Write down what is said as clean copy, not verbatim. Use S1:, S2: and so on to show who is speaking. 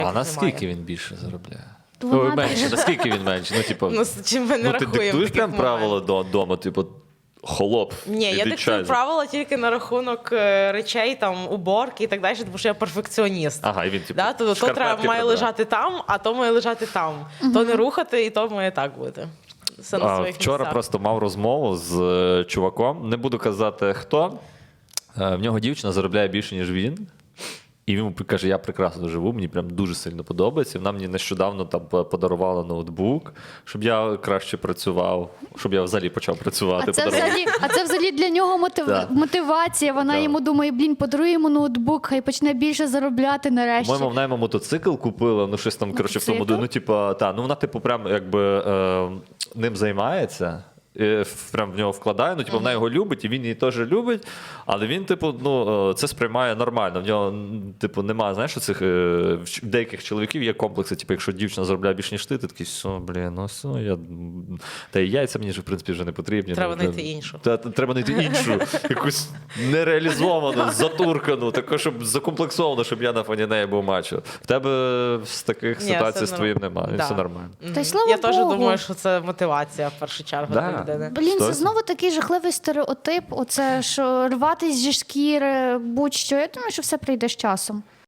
S1: А наскільки він більше заробляє?
S2: Вона
S1: Менше, наскільки він менше? Ну, типу,
S3: Ну, з чим ми не
S1: ну ти
S3: рахуємо
S1: диктуєш
S3: таких
S1: прям правила
S3: моментів.
S1: вдома, типу, холоп.
S3: Ні, я
S1: іди
S3: диктую
S1: чай.
S3: правила тільки на рахунок речей, там, уборки і так далі, тому що я перфекціоніст.
S1: Ага, і він, типу,
S3: Да? То
S1: шкарпетки
S3: треба, має
S1: прибирає.
S3: лежати там, а то має лежати там. То не рухати, і то має так бути. Все на своїх
S1: Вчора
S3: місцях.
S1: просто мав розмову з чуваком, не буду казати хто. В нього дівчина заробляє більше, ніж він. І він каже, я прекрасно живу, мені прям дуже сильно подобається. Вона мені нещодавно там подарувала ноутбук, щоб я краще працював, щоб я взагалі почав працювати.
S2: А це взагалі для нього
S1: Да.
S2: мотивація. Вона
S1: Да.
S2: йому думає, подарує йому ноутбук, хай почне більше заробляти нарешті.
S1: По-моєму, вона йому мотоцикл купила, ну щось там, коротше, в тому,
S2: Мотоцикл?
S1: ну, типу, вона, типу, прям, якби, ним займається. Прям в нього вкладає, ну, типу, вона його любить, і він її теж любить, але він, типу, ну, це сприймає нормально. В нього, типу, немає, знаєш, оцих, в деяких чоловіків є комплекси, типу, якщо дівчина заробляє більше, ніж ти такий, все, блін, ну, все, та і яйця мені вже, в принципі, вже не потрібні.
S3: Треба
S1: ну,
S3: знайти іншу.
S1: Треба знайти іншу, якусь нереалізовану, затуркану, таку, щоб закомплексовану, щоб я на фоні неї був мачо. В тебе з таких
S3: Ні,
S1: ситуацій з
S3: все
S1: твоїм
S3: нормально.
S1: немає,
S3: Да.
S1: все нормально.
S2: Та й слава
S3: Я теж
S2: Богу.
S3: думаю, що це мотивація в першу чергу
S1: Да.
S3: для людини.
S2: Блін, це
S1: Хтось?
S2: знову такий жахливий стереотип. Оце, що рватись зі шкіри, будь-що. Я думаю, що все прийде з часом.